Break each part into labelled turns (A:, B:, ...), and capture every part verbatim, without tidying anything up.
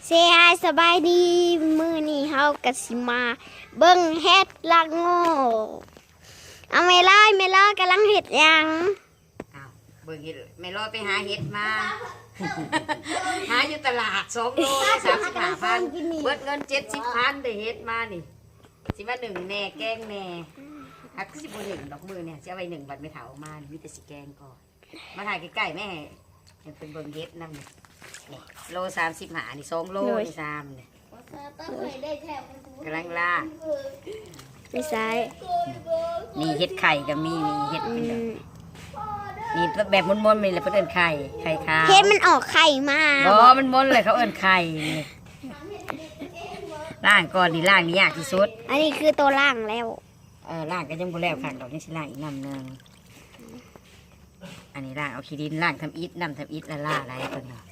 A: เสียสบายดีมื้อนี้เฮากะสิมาเบิ่งเฮ็ดละโง่เอาไม่ลอยไม่ลอยกำลังเฮ็ดหยัง
B: อ้าวเบิ่งเห็ดไม่รอไปหาเห็ดมา หาอยู่ตลาดสองโลได้สามสิบห้าพันเบิดเงินเจ็ดสิบพันได้เห็ดมานี่สิมาหนึ่งแหน่แกงแหน่อักสิบหนึ่งดอกมือเนี่ยจะเอาไปหนึ่งบัตรไม่เถาออกมามีแต่สิแกงก่อนมาถ่ายใกล้ๆแม่ยังเป็นเบิ่งเห็ดนั่นนี่นี่โลสามสิบห้านี่สองโลนี่สามเนี่ยกำลังล่า
A: ไม่ใช่
B: มีเห็ดไข่ก็มีมีเห็ด
A: อื
B: เป็นดอก
A: ม
B: มีแบบม้วนๆมีอะไรเพื่อนเอิ้นไข่ไข่ขาว
A: เฮ็ดมันออกไข่มา
B: บอมันม้วนเลยเขาเอิ้นไข่นี่ล่างก่อนนี่ล่างนี่ยากที่สุด
A: อันนี้คือตัวล่างแล้ว
B: เออล่างก็ยังบ่แล้วค่ะดอกนี่สิล่างอีกน้ำหนึงอันนี้ล่างเอาขี้ดินล่างทำอิฐน้ำทำอิฐละล่าอะไรเพิ่นเนาะ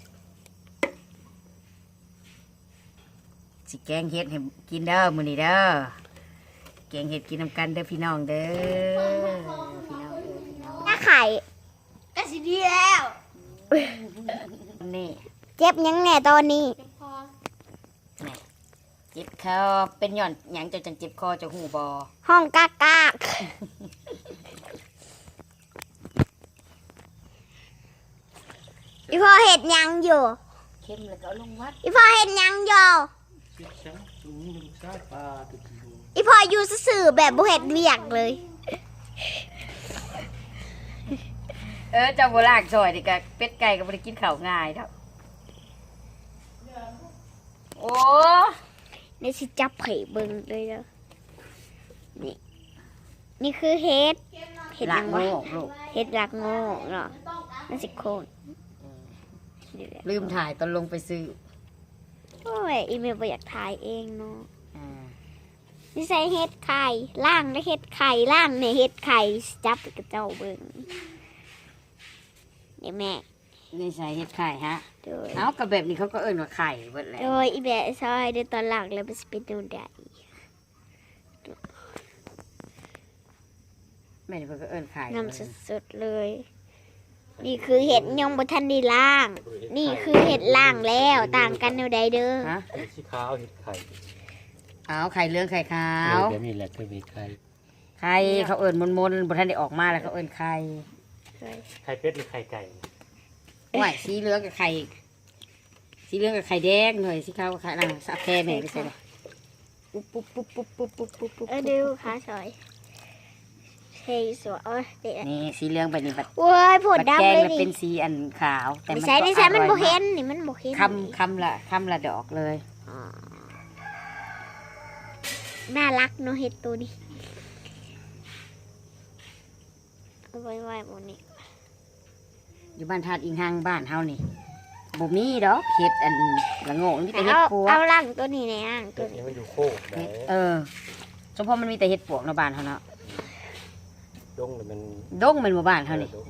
B: สิแกงเฮ็ดให้กินเด้อมื้อนี้เด้อแกงเฮ็ดกินนำกันเด้อพี่น้องเด้อพี่น้องเด้อพี่น้อง
A: ถ้าไข่ก็สิดีแล้ว
B: นี่
A: เจ็บยังแน่ตอนนี้
B: นี่เจ็บคอเป็นหย่อนหยังจะจังเจ็บคอจะหูบอ
A: ห้องกากกากอีพ่อเห็ดหยังอยู่
B: เข้มแล้วก็เอาลงวัด
A: อีพ่อเห็ดหยังอยู่อีพ่ออยู่ซื่อๆแบบบ่เห็ดเวียกเลย
B: เออเจ้าโบราณซอยดิกะเป็ดไก่ก็บ่ได้กินข้าวง่ายดอกโอ้
A: นี่สิจับไข่เบิ่งเลยเด้อนี่นี่คือเห็ดเห็ดห
B: ละ
A: ยัง
B: โง่
A: วะ
B: ลูก
A: เห็ดรักโง่เนาะนั่นสิโคนนี่แหละ
B: ลืมถ่ายตอนลงไปซื้อ
A: โอ้ยอีเมลบ่อยากถ่ายเองเนาะ
B: อ่า
A: นี่ใส่เห็ดไข่ล่างได้เห็ดไข่ล่างในเห็ดไข่จับไปกับเจ้าเบิ่งนี่แม่
B: นี่ใส่เห็ดไข่ฮะ
A: โดย
B: เอากับแบบนี้เขาก็เอิ้นว่าไข่เบิดแหล้ว
A: โดยอีแบะซอยเดี๋ยวตอนหลังแล้วมันจะเป็นดูได้
B: แม่นี่เพิ่นก็เอิ้นไข่
A: นำสดๆเลย นี่คือเห็ดยังบ่ทันได้ล่าง นี่คือเห็ดล่างแล้วต่างกันแนวใดเด้อ
B: ฮะ
C: เห็ดสีขาวเห็ดไข่
B: เอาไข่เหลืองไข่ขาว
C: เดี๋ยวนี้แหละคือเห็ดไข่
B: ไข่เขาเอิ้นมนๆบ่ทันได้ออกมาแล้วเขาเอิ้นไข่
C: ไข่เป็ดหรือไข่ไก่
B: โอ้ยสีเหลืองกับไข่สีเหลืองกับไข่แดงหน่อยสีขาวกับไข่นั่นสับแค่แม่ไปใส่เลยปุ๊บปุ๊บปุ๊บปุ๊บปุ๊บปุ๊บปุ๊บปุ๊บ
A: เออดูขาซอยเฮ้ยสวยเอ้ยเด็ด
B: นี่สีเหลืองแบบนี้บัด
A: โอ้ยผด
B: บัด
A: ดำ
B: แกง
A: เลย
B: แล้ว
A: ดิ
B: เป็นสีอันขาวแต่
A: ไม่
B: มัน
A: ใช่
B: ก็
A: ไม่ใช่มัน
B: อ
A: บ่
B: ร่อย
A: เห็
B: มาก
A: นนี่มันบ่เห็น
B: คำคำละคำละดอกเลย
A: อ๋อน่ารักเนาะเห็ดตัวนี้เอาไว้ไว้บนนี้
B: อยู่บ้านทาดอิงหางบ้านเฮานี่บ่มีดอกเห็ดอันละโง่มีแต่เห็ด
A: เอา
B: ปวก
A: เอาล่างตัวนี้ในอ่างตั
C: เห็
A: วนี้
C: ดนี่มันอยู่โคกไหน
B: เห็ดเออเฉพาะมันมีแต่เห็ดปวกในบ้านเฮาเนาะ
C: ดงเลยมัน
B: ดงเป็นหมู่บ้านเฮานี่
C: ดง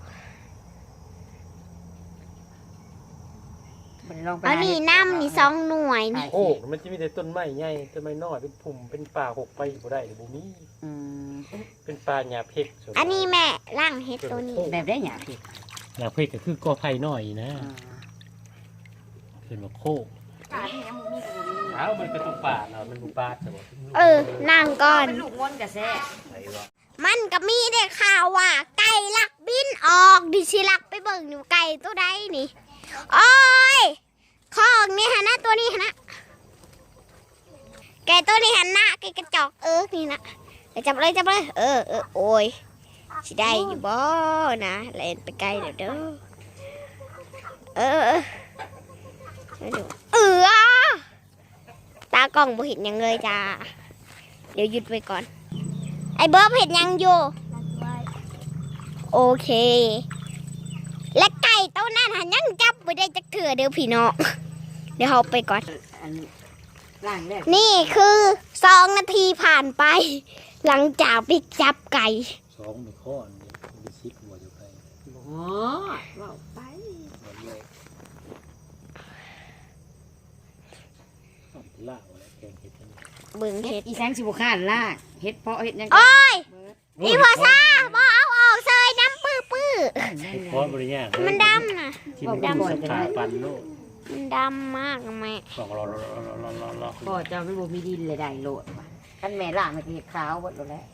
B: บ่ได้ลองไป
A: เอา
B: หา
A: นี่
B: เห็ด
A: น้ำนี่สองหน่วยนี่
C: โคกมันจะมีแต่ต้นไม้ใหญ่ต้นไม้น้อยเป็นพุ่มเป็นป่าหกไปบ่ได้หรือบ่มี
B: อืม
C: เป็นป่าหญ้าเพก
A: อันนี้แม่ล่างเห็ดตัวนี้
B: แบบได้หยังพี่
C: หญ้าเพกก็คือกอไผ่น้อยนะ
B: อ่า
C: เป็นว่าโคกอ้าวมันเป็นตุ่มป่าเนาะมันบุป่าใช่บ่
A: เออนั่งก่อน
B: เป็นลูกม้วนกระแซะ
C: ไหนวะ
A: มันก็มีได้ข่าวว่า ไก่ลักบินออกดิชิลักไปเบิ่งอยู่ไก่ตัวใดนี่โอ้ยขอออกนี่ฮะนะตัวนี้ฮะนะไก่ตัวนี้หันหน้าไก่กระจอกเออนี่นะเดี๋ยวจับเลยจับเลยเออเออโอ้ยสิได้อยู่บ่นะเล่นไปไกลเดี๋ยวเด้อเออเออเออเออตากล้องบ่เห็นหยังเลยจ้าเดี๋ยวหยุดไว้ก่อน ไอ้เบิร์บเห็นยังอยู่โอเค และไก่ตัวนั้นหันยังจับไม่ได้จักเถื่อเดี๋ยวพี่น้องเดี๋ยวเราไปก่อน
B: อันล่างแรก
A: นี่คือสองนาทีผ่านไป หลังจากไปจับไก่
C: สองไม่ข้อนี่มีซิปหัวอยู่ไกล
B: บ่ว้าวไป
C: บ่เลยต้องล่างแล้วแกงเห็ดอันนี้
A: เบิ่ง
B: เฮ็
A: เห็
B: ด
A: ด
B: อีแสงสิบ่ค้านล่างเฮ็ดเพาะเฮ็ดหยัง
A: โอ้ย
B: เบิด
A: อีพอซ่าบอเอาออกเซยน้ำปื้อปื้อ
C: เพราะบริญญา
A: มันดำนะ
C: ที่มันเป็นสขาปันโลก
A: มันดำมากอะแม่
C: ลองรอรอรอรอรอรอรอ
B: พ่อเจ้ามันบ่มีดินเลยได้โลดท่านแม่ล่างมันเห็ดขาวหมดแล้ว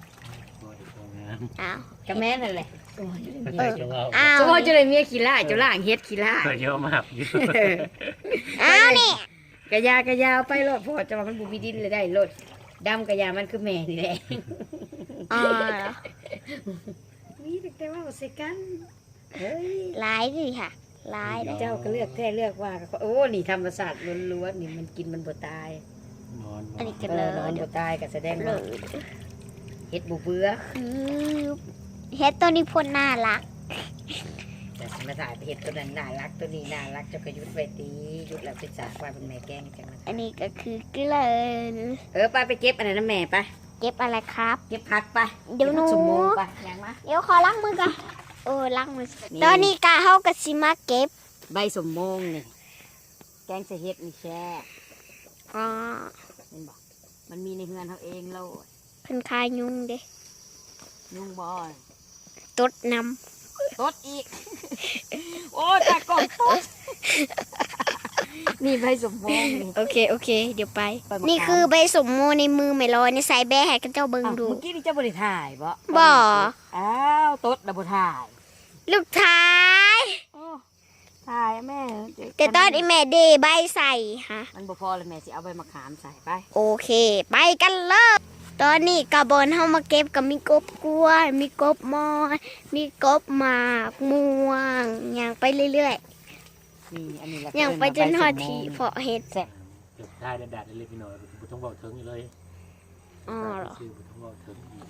A: อ้าว
B: ก็แม่นั่นแหละ
C: ใส่จงเอา
A: อ้าว
B: สมมติจะเลยเมียขี้ล่าเจ้าล่างเฮ็ดขี้ล่า
C: เยอะมากอยู่
A: อ้าวนี่
B: กะยากะยาวไปโลดพ่อเจ้ามันบ่มีดินเลยได้โลดดำกะยามันคือแม่นี่แหละ
A: อ๋อเหรอ
B: มีแต่ว่าใส่กันเฮ้ย
A: ร้ายดิค่ะร้ายเลย
B: เจ้าก็เลือกแท้เลือกว่าโอ้นี่ธรรมศาสตร์ล้วนๆนี่มันกินมันบ่ตาย
C: นอน
A: อันนี้
B: เอ
A: กัน
B: อ
A: เลย
B: นอนบ่ตายก็แสดง
A: เล
B: ว่าย เฮ็ดบ่เบื่อ
A: คือเฮ็ดตัวนี้พ่นน่ารัก
B: แต่สิมาถ่ายไปเฮ็ดตัวนั้นน่ารักตัวนี้น่ารักเจ้าก็หยุดไว้ตีหยุดแล้วไปจากว่าเป็นแม่แกล้งจังนั้น
A: อันนี้ก็คือเกลือ
B: เออไปไปเก็บอันนั้นนะแม่ไป
A: เก็บอะไรครับ
B: เก็บผักไป
A: เดี๋ยวหนู
B: ก็บผักสมโมไปยังมา
A: เดี๋ยวขอล้างมือก่อนโอ้ล้างมือ
B: นี่
A: ตอนนี้กาเฮากับสิมาเก็บ
B: ใบสมโมงนี่แกงใส่เฮ็ดนี่แช่
A: อ๋อ
B: เห็นบอกมันมีในเฮือนเขาเองโลด
A: เพิ่นคายยุงเด้
B: ยุ่งบอย
A: ตดน
B: ตดอีก โอ้ตากล่องตด นี่ใบสมโมงนี่
A: ำโอเคโอเค เดี๋ยวไป
B: ไปมะขาม
A: นี่คือใบสมโมในมือไม่ลอยในสายแบะให้กันเจ้าเบิ่ง
B: อ้าว
A: ดู
B: เมื่อกี้นี่เจ้าบริถ่ายบ่
A: บ่
B: อ้าวตดแล้วบถ่าย
A: ลูกท้าย
B: โอ้ถ่ายแม่
A: แต่ตอนอีแม่เดใบใส่ฮะ
B: มันบ่พอเลยแม่สิเอาใบมะขามใส่ไป
A: โอเค ไปกันเลยตอนนี้กระบอนเฮามาเก็บกับมีกบกล้วย มีกบมอนมีกบหมากม่วงอย่างไปเรื่อย
B: นี่อันนี้แหละ
A: ๆอย่างไปจนหอดทีเพาะเห็ด
B: แซ่บ
C: เก็บได้แดดๆเล็กๆน้อยบุต้องบอกถึงอยู่เลย
A: อ๋อเหรอ
C: ชื่อบุต้องบอกถึงอีก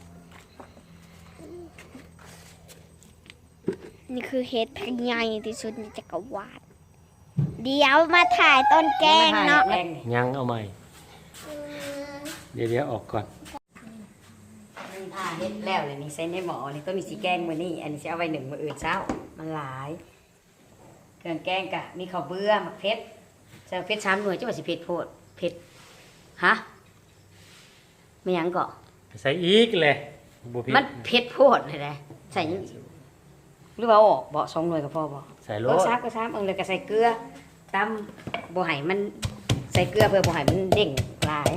A: นี่คือเห็ดแพงใหญ่ที่สุดในจักรวาลเดี๋ยวมาถ่ายต้นแกงเนาะ
B: แกงนี่
C: ยังเอาใหม่ เดี๋ยวเดี๋ยวออกก่อน
B: นี่ผ่าเฮ็ดแล้วเลยนี่ใส่ในหม้อนี่ต้นนี้สีแกงมื้อนี้อันนี้สิเอาไว้หนึ่งมื้ออื่นเช้ามันหลายเครื่องแกงกะมีข้าวเบื่อมะเผ็ดใส่เผ็ดสามหน่วยจังว่าสิเผ็ดโพดเผ็ดฮะไม่หยังก็
C: ใส่อีกเลยบุพิ
B: มันเผ็ดโพดเลยนะใส่หรือว่าเอาออกบ่สองหน่วยก็พอบ่
C: ใส่โล
B: รส
C: ด
B: ชาติก็ซ้ำเอิงเลยก็ใส่เกลือตำบ่ให้มันใส่เกลือเพื่อบ่ให้มันเด้งหลาย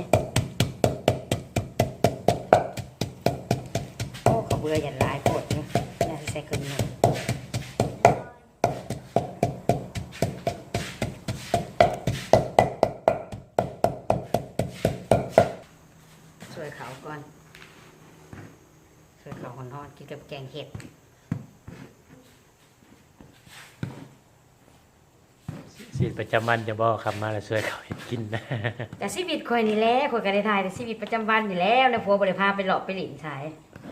B: โอ้ข้าวเบื่ออย่าหลายโพดเนาะน่าสิใส่เกลือหน่อย ช่วยเขาก่อนช่วยเขาคนทอดกินกับแกงเห็ด
C: สีประจำวันจะบอกคำมาแล้วช่วยเขาเห็นกินนะ
B: แต่ชีวิตคอยนี่แหละคอยกันได้ทายแต่ชีวิตประจำวันนี่แล้วนะผัวบริพาไปหลอกไปหลินสาย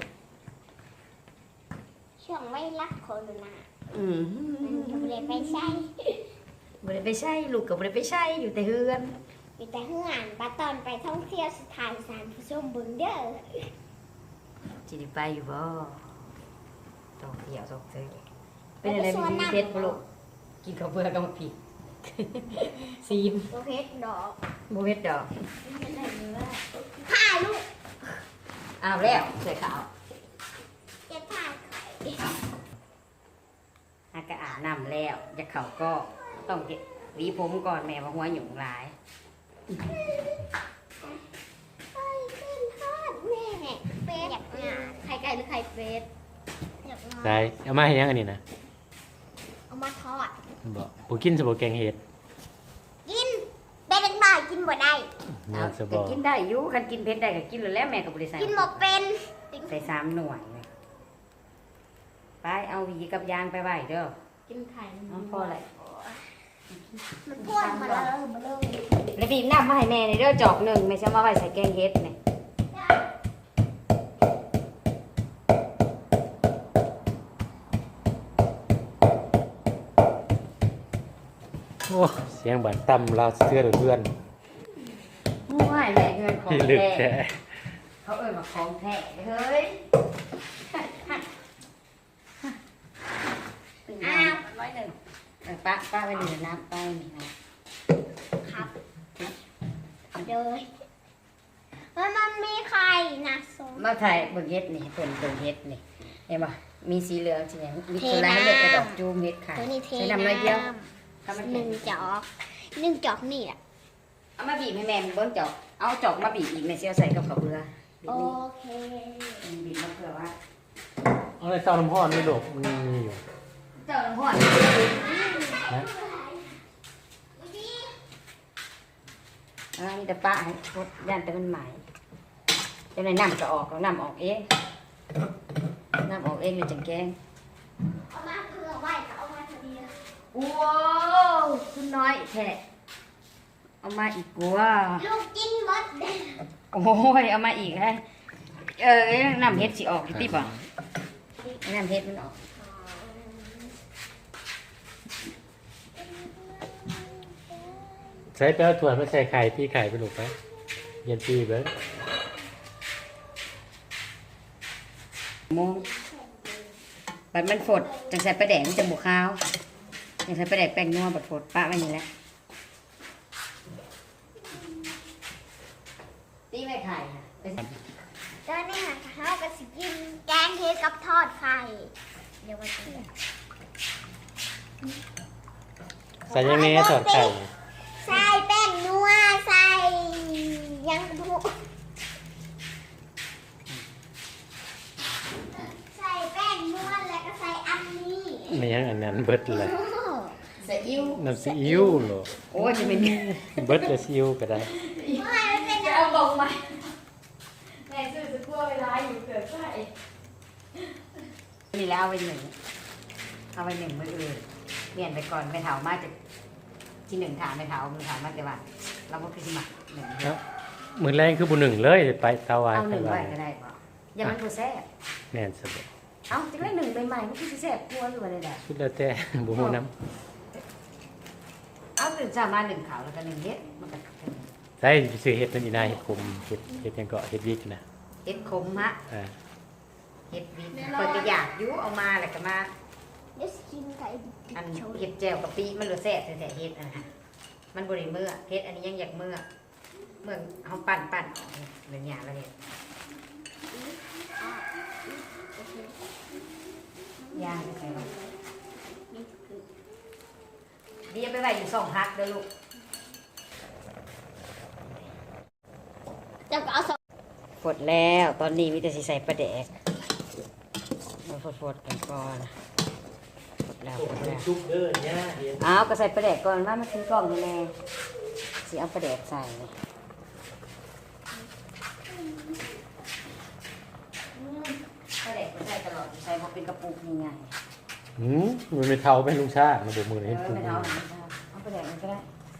A: ช่วงไม่รักโควิดนะ
B: อืม
A: มันเลยไปใช้
B: บริไปใช่ลูกกับบริไปใช่อยู่แต่เฮือน
A: มีแต่เฮือนปาตอนไปท่องเที่ยวสถานสารผู้ชมบึงเด้อ
B: จิได้ไปอยู่บ่ต้องเที่ยวต้องเที่ยวเป็นอะไรมีเพชรบ่ลูกกินข้าวเบื่อกับมาผิด ซีม
A: โอเคดอก
B: โบเฮ็ดดอก
A: ถ่ายลูก
B: อ้าวแล้วใส่ขาว
A: เก็บถ่าย
B: อากาอาบน้ำแล้วจะเขาก็ต้องเก็บหวีผมก่อนแม่ว่าหัวหยุ่งหลาย
A: ไข่ขึ้นทอดแม่เฟสอยากงานไข่ไก่หรือไข่เฟสอยากงาน
C: ใส่เอามาให้ยังอันนี้นะ
A: เอามาทอด
C: บอกบุกินสบแกงเห็ด
A: กินเป็นเล็กน้อยกินบ่ได้
C: เนื้อสบ
B: แต่กินได้อยู่คันกินเผ็ดได้ก็กินเลยแล้วแม่ก็บริใส่
A: กินบ่เป็น
B: ใส่สามหน่วยเลยไปเอาหวีกับยางไปไว้เด้อ
A: กินไข่
B: เอาพออะไร
A: มันพ่วนมาแล้วมาเลย
B: แล้วบีบน้ำมาให้แม่ในเด้อจอกหนึ่งไม่ใช่มาไว้ใส่แกงเฮ็ดเนี่ย
C: โอ้เสียงบานต่ำเราเสื้อเพื่อน
B: มูให้แม่เงินของ
C: ที่ลึก
B: แท้
C: แท้
B: เขาเอ่ยมาของแท้เฮ้ย อ้าวร้อยหนึ่งเออป้าป้าไปหนึ่งน้ำป้าหนึ่งนะครับ
A: เลยมันมันมีไข่นะสม
B: มาถ่ายเบิ่งเฮ็ดนี่เป็นเบิ่งเฮ็ดนี่เห็นป่ะมีสีเหลืองสีแดงมี
A: เท
B: ตัว
A: น้ำ
B: ลายเลือดกระดอกจูมเฮ็ดขาย
A: ตัวนี้เท
B: ใช้
A: น้
B: น้ำน้อยเดียว
A: ำ
B: ถ้ามัน
A: ห
B: แข็
A: นึ่
B: ง
A: งจอกหนึ่งจอกนี่แหละ
B: เอามาบีบให้แม่มันเบิ้งจอกเอาจอกมาบีบอีกแม่เสียวใส่กับข้าวเบื่อบี
A: โอบ
B: นี่
A: เค
B: บีบมาเพื่อว่า
C: เอาอะไรเจ้าน้ำห้อนไม่หลบมันมีอยู่
B: เจ้าหลวงพ่อ
C: นะ
B: อ่านี่แต่ป้าให้พดย่านแต่มันใหม่จะในน้ำก็ออกแล้วน้ำออกเองน้ำออกเองเลยจังแกง
A: เอามาเพื่อไหวเอามาพอดี
B: ว้าวคุณน้อยแทะเอามาอีกกว่า
A: ลูกกินหมดเด้
B: โอ้ยเอามาอีกฮะเออน้ำเฮ็ดสิออกที่ป่ะน้ำเฮ็ดมันออก
C: ใช้แป้วถั่วไม่ใส่ไข่พี่ไข่ไปหลบไปเย็นปีเบิ้ง
B: โมงบัดมันฝดจังใส่ปลาแดงมันจะบวข้าวจังใส่ปลาแดงแป้งนัวบัดฝดปะไว้นี่แหละตีไม่ไข่ค่ะ
A: ตอนนี้ค่ะเขาก็สิกินแกงเฮ็ดกับทอดไข่เดี๋ยวมากิน
C: ใส่ยังไงถอดไข่
A: ใส่แป้งนัวใส่ยังบุใส่แป้งนัวแล้วก็ใส่อันนี้
C: ไม่ยังอันนั้นเบิดเลย
B: ใส่อิ่ว
C: น้ำซีอิ๊วเหรอ
B: โอ้ยจะเป็น
C: เบิดจะซีอิ๊วก็ได้
A: ไม่มันเป็น
B: จะเอาลงไหมแม่ซื้อจะกลัวเวลาอยู่เกิดไข่นี่แล้วเอาไปหนึ่งเอาไปหนึ่งมืออื่นเปลี่ยนไปก่อนไม่เถามากจะที่หนึ่งถามไม่เถามือถามมากแต่ว่าเราก็คือที่หมักหนึ่ง
C: ครับมือแรงคือบุหนึ่งเลยไปเตาไว้
B: เอาห
C: ไป
B: นึ่ง
C: ไว้
B: ไว้ก็ได้ป่ะอย่ามันกูแซ่บ
C: แน่นสุด
B: เอาจังได้หนึ่งใหม่ๆมันคือแซ่บกลัวอยู่อะไรแหละ
C: ชุดแล้วแต่บุหูน้
B: เอาหนึ่งจามาหนึ่งขาวแล้วก็หนึ่งเฮ็ดมันก็
C: ำใช่ซื้อเห็ดนั่นอีนาเห็ดคมเห็ดเห็ดยังเกาะเห็ดวิกนะ
B: เฮ็ดคมฮะ
C: อ่า
B: เฮ็ดวิเปิดกระยากยุเอามาแล้วก็มา
A: เดี๋ยวกินไก่
B: อันเฮ็ดแจ่วกะปิมันเหลือแซ่บแต่เฮ็ดอันนั้นมันบริเมื่อเฮ็ดอันนี้ยังอยากเมื่อเมื่อเขาปั่นปั่นออกเหมือนอย่างละเฮ็ดย่างใส่ไว้เดี๋ยวไปไว้อยู่สองพักเด้อลูก
A: จะก็เอาสอง
B: ฝดแล้วตอนนี้มีแต่สิใส่ปลาแดกมาฝดๆกันก่อนฝดแล้วฝดแล้ว
C: ชุบเด้อเนี่ยเห็ด
B: เอาก็ใส่ปลาแดกก่อนว่ามันคือกล่องนี่แน่สิเอาปลาแดกใส่เลยปลาแดกก็ใส่ตลอดใส่มาเป็นกระปุกนี่ไง
C: หืมมันไม่เท่าเป็นลุงชาติมาดูมือ
B: เอ
C: เห็ด
B: อ
C: ปุ๊บ
B: ไม่เอาไม่เอาเอาปลาแดกมันก็ได้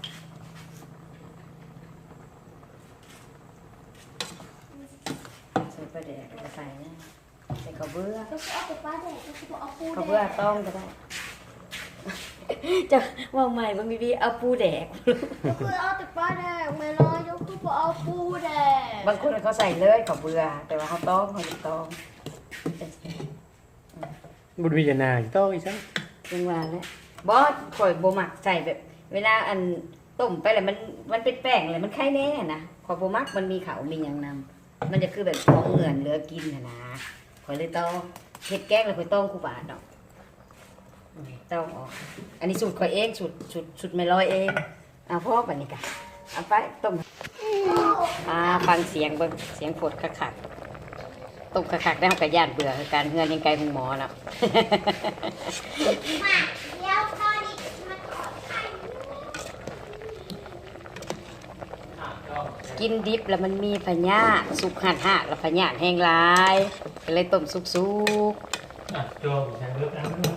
B: ใส่ปลาแดกก็ใส่นะใส่ข้าวเบื่อ
A: ก็เอาไปป้าแดดก็เอาปู
B: ข้าวเบื่อต้องก็ได้ จะว่าใหม่บางทีเอาปูแดก
A: ก็คือเอาแต่ป้าแดดไม่รอยกคือเอาปูแดด
B: บางคนเขาใส่เลยข้าวเบื่อแต่ว่าเขาต้องเขาจะต้อง
C: บุญวิญญาณางต้องอีสัง
B: ยังว่าแล้วบอสข่อยโบมักใส่แบบ เวลาอันต้มไปแล้วมันมันเป็นแป้งเลยมันไข่แน่นะข่อยโบมักมันมีเขามีอย่างนำมันจะคือแบบของเหงื่อนเหลือกินนะนะข่อยเลยต้องเฮ็ดแกงแล้วข่อยต้องคู่บาทดอกต้องออกอันนี้สูตรข่อยเองสูตรสูตรสูตรไม่ลอยเองเอาพ่อปันนี้กันเอาไปต้มอ่าฟังเสียงเบิ่งเสียงฝดคักๆต้มคักๆได้เขากระยานเบื่อคือการเฮือนยังไกลหงหมอแล้ว
A: มาเดี๋ยวตอนนี้มาขอไข่
B: กินดิบแล้วมันมีพญาธิสุกหัดหักแล้วพญาธิแห้งหลายก็เลยต้มสุก
C: อ่ะโจมใช้เลือกอันนี้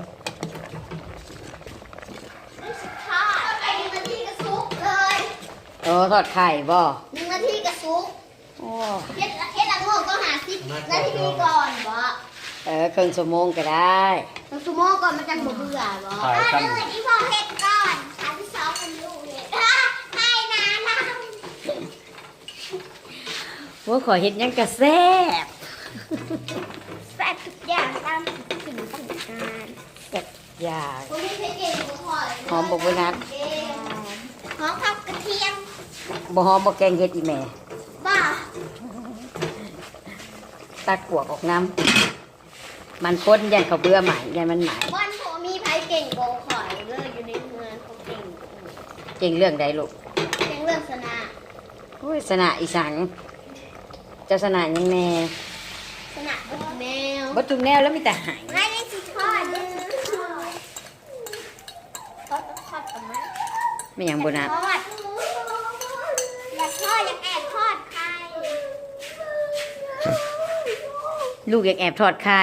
A: ทอดไปหนึ่งนาทีก็ซุกเลย
B: ๆโอ้ทอดไข่บ่
A: หนึ่งนาทีก็ซุก
B: โอ้
A: เฮ็ดเฮ็ดละโงกต้องหาสิบนาทีก่อนบ่
B: เออครึ่งชั่วโมงก็ได้
A: ต้องชั่วโมงก่อนมันจะบ่เบื่อบ่
C: ขายกัน
A: เออที่พ่อเฮ็ดก่อนสามที่สองเป็นลูกเฮ็ดให้นะนะ
B: ว่าขอเห็ดหยังกะแซ่บ
A: แซ่บทุกอย่างตามสิ่งต้องการ
B: แซ่บอย่าง
A: ผมมีเพชรเก่งบ่พอเลย
B: หอมบ่บ่นัด
A: หอมกับกระเทียม
B: บ่หอมบ่แกงเห็ดอีแม่
A: บ่
B: ตักกวกออกน้ำมันข้นยันเขาเบื่อใหม่ยันมันใหม่
A: บ้านผมมีไผเก่งกว่าข่อยเลยอยู่ในเมืองเขาเก่ง
B: ก่งเรื่องใดลูก
A: เก่งเรื่องสนา
B: โอ้ยสนะอีสังเจ้าสนะยังแน่
A: สนาบนแมว
B: บ่ทุกแนวแล้วมีแต่หาย
A: ไม่ได้สิทอดได้สิทอดทอดทอดกับมัน
B: ไม่หยังบ่นับ
A: ทอดอยากทอดอยากแอบทอดไข่
B: ลูกอยากแอบทอดไข่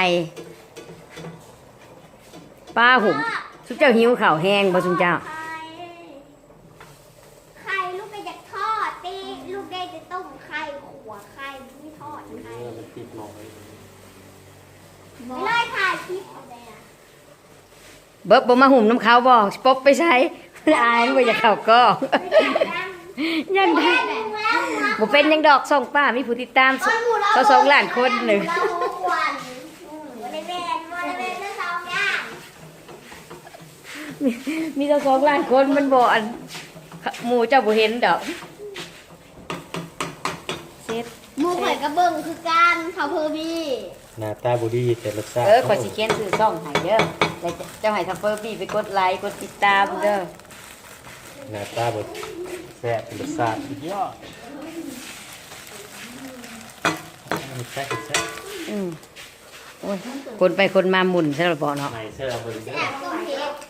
B: ป้าหุ่มสุเจ้าหิวข้าวแห้งบ่สุเจ้า
A: ไข่ไข่ลูกก็อยากทอดตีลูกได้จะต้มไข่ขัวไข่ไม่ทอดไข่
C: เออมันติดหมอย
A: ไม่เลยถ่ายคลิปเอาไปอ่ะ
B: เบิบบ่มาหุ่มน้ำเขาบ่ปบไปใช้อายบ่อยากเข้ากล้อง ยังได้บ่เป็นยังดอกส่งป้ามีผู้ติดตามเขาสองล้านคนหนึ่ง
A: เราหวันบริเวณบริเวณเรื่องสองอย่าง
B: มีเขาสองล้านคนมันบ่อันหมู่เจ้าบ่เห็นดอกเสร็จ
A: มูข่อยกระเบิ่งคือการเขาเพอร์บี้
C: หน้าตาบ่ดีแต่รสชาติ
B: เออขอยสิเขียนชื่อช่องให้เด้อแล้วเจ้าให้ทัฟเฟอร์บี้ไปกดไลค์กดติดตามเด้อ
C: หน้าตาบ่แซ่บรสชาติสุดยอดมันแซ่บแซ่บ
B: อืมโอ้ยคนไปคนมาหมุนซะแล้วบ่เนาะ
C: ไหนเสื้อเบิ่งเด้อ
A: แอบต้มเห็ด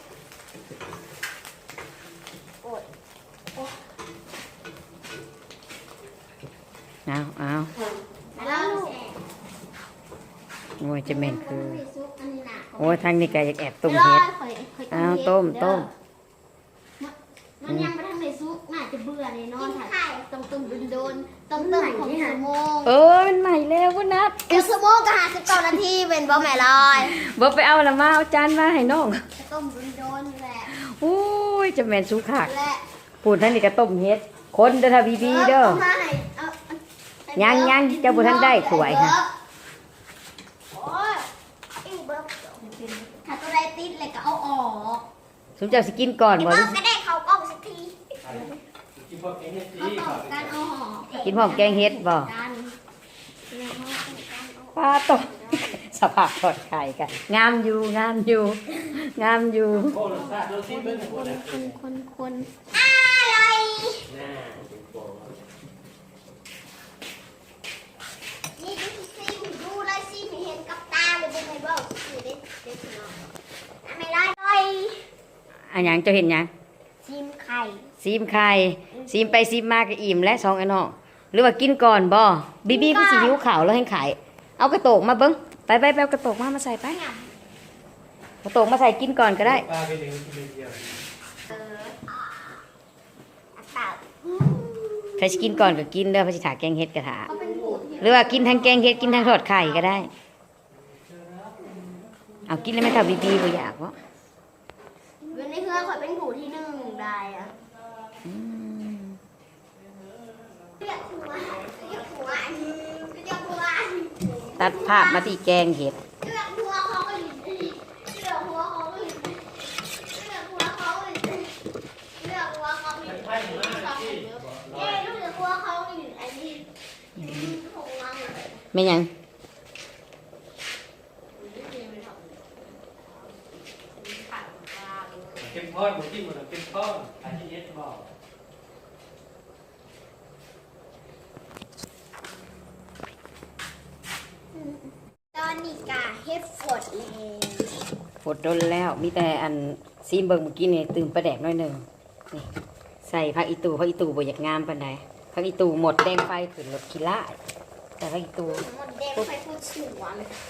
B: เอาเอา
A: แล้วลูก
B: โอ้ยจะแม่นคือ
A: ซุปอันนี้นะ
B: โอ้ยทางนี้ก็อยากแอบต้มเห็ด เอาต้มต้ม
A: มันยังไม่ทันได้ซุปน่าจะเบื่อเลยนอนถ่ายต้มต้มโดนๆต้มต้มของสมง
B: เออมันใหม่แล้วพุ่นนัด
A: คือสมงก็หาสิบเก้านาทีเป็นบ่แม่ลอย
B: บ่ไปเอาละมาเอาจานมาให้น้อง
A: ต้มโดนๆแหละ
B: โอ้ยจะแม่นสุคัก
A: และ
B: พูดท่านนี่ก็ต้มเฮ็ดคนเด้อถ้าบีบีเด้อ
A: ามาให้เอาเอา
B: ยังยังเจ้าบ่ทันได้ถ้วยค่ะ
A: โอ้ยอีเบิร์ถ้าตัวใดติดเลยก็เอาออก
B: สมเจ้าสิกินก่อน
A: อี
B: บ่
A: เบิร์ก็ได้เขากล้องสักที
C: กินพวกเอ็นเอส
A: เขา
C: ดี
A: ตอบการเอาหอก
B: กินพร้อมแกงเฮ็ดบ่
A: กันแล้วเขาต้องการเอา
B: ปลาตกสภาพทอดไข่กันงามอยู่งามอยู่งามอยู่
C: โอ้รสชาติรสชาติเบิ่งหมดแล้ว
A: คนคนคนอะไร
C: น่าเป็นโป
A: นี่ดูสิดูเลยสิไม่เห็นกับตาเลยเป็นไงบ้างสิเด็ดเด็ดหน่อยไม่ได้เลย
B: อันหยังเจ้าเห็นหยัง
A: ชิมไข่
B: ซีมไข่ซีมไปซีมมาก็อิ่มและสองไอ้น้องหรือว่ากินก่อนบ่บีบีก็สิหิวข้าวแล้วให้ขายเอากระโตกมาเบิ่งไปไปไปเอากระโตกมามาใส่ไป
A: หย
B: กระโตกมาใส่กินก่อนก็ได้
C: ปลาไปเลี้ยงกินเดียว
A: เอออัตตาอืม
B: ใครสิกินก่อนก็กินเด้อเพราะสิถาแกงเฮ็ดกระถา
A: เขาเป็นผู้ที่
B: หรือว่ากินทั้งแกงเฮ็ดกินทั้งทอดไข่ก็ได้ เอากินแล้วไม่เท่าบีบีบ่อยากวะ
A: อยู่ในเพื่อนเขาเป็นผู้ที่หนึ่งได้อะเรียกหัวเรียกหัวเรียกหัว
B: ตัดภาพมาที่แกงเห็ด
A: เลือกหัวเขาก็หลินเลือกหัวเขาก็หลินเลือกหัวเขาก็หลินเลือกหัวเขาก็หลินเย้ลูกเลือกหัวเขาก็หลินอันนี้ของเรา
B: ไม่หยัง
C: เข้มข้นหมูที่มันเข้มข้นอันที่เอสบอก
A: ตอนนี้กาเฮ็ดฝดเอง
B: ฝดโดนแล้ว มีแต่อันซีมเบิ่งเมื่อกี้นี่ตื่มประแดกหน้อยหนึ่งนี่ใส่ผักอีตูผักอีตูบ่อยากงามปานใดผักอีตูหมดแดงไฟขึ้นรถขี้ล่าแต่ผักอีตู
A: หมดแดงไปพูดสวน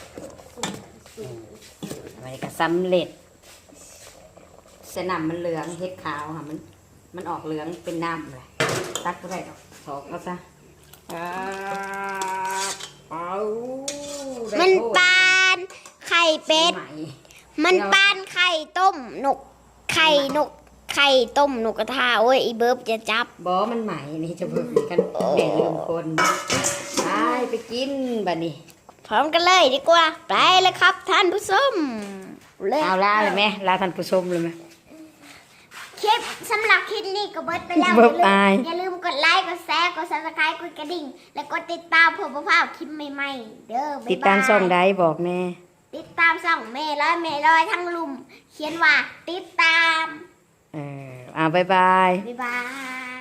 B: มันก็สำเร็จสนามมันเหลืองเฮ็ดขาวค่ะมัน มันออกเหลืองเป็นน้ำเลยตักก็ได้ดอกสอกก็ซะอ่าเอา
A: มั
B: มัน
A: ปานไข่เป็ด มันปานไข่ต้มนก ไข่นก ไข่ต้มนกกระทาโอ้ยอีเบิร์บจะจับบ
B: อมันใหม่นี่จะเบิ่งกันแม่ลืมคนไปไปกินบัดนี้
A: พร้อมกันเลยดีกว่า ไปเลยครับท่านผู้ชมเลย
B: เอาลาเลยไหมลาท่านผู้ชมเลยไหม
A: คลิปสำหรับคลิปนี้ก็เบิดไปแล้ว
B: เบิดไป
A: อย่าลืมกดไลค์กดแชร์กดซับสไครต์กดกระดิ่ง และกดติดตามเพื่อบ่พลาดคลิปใหม่ๆเด้อบ๊ายบาย
B: ติดตามช่องใดบอกแน่
A: ติดตามช่องเมย์ร้อยเมย์ร้อยทั้งลุม เขียนว่าติดตาม
B: เอออ่าบ๊ายบาย
A: บ๊ายบาย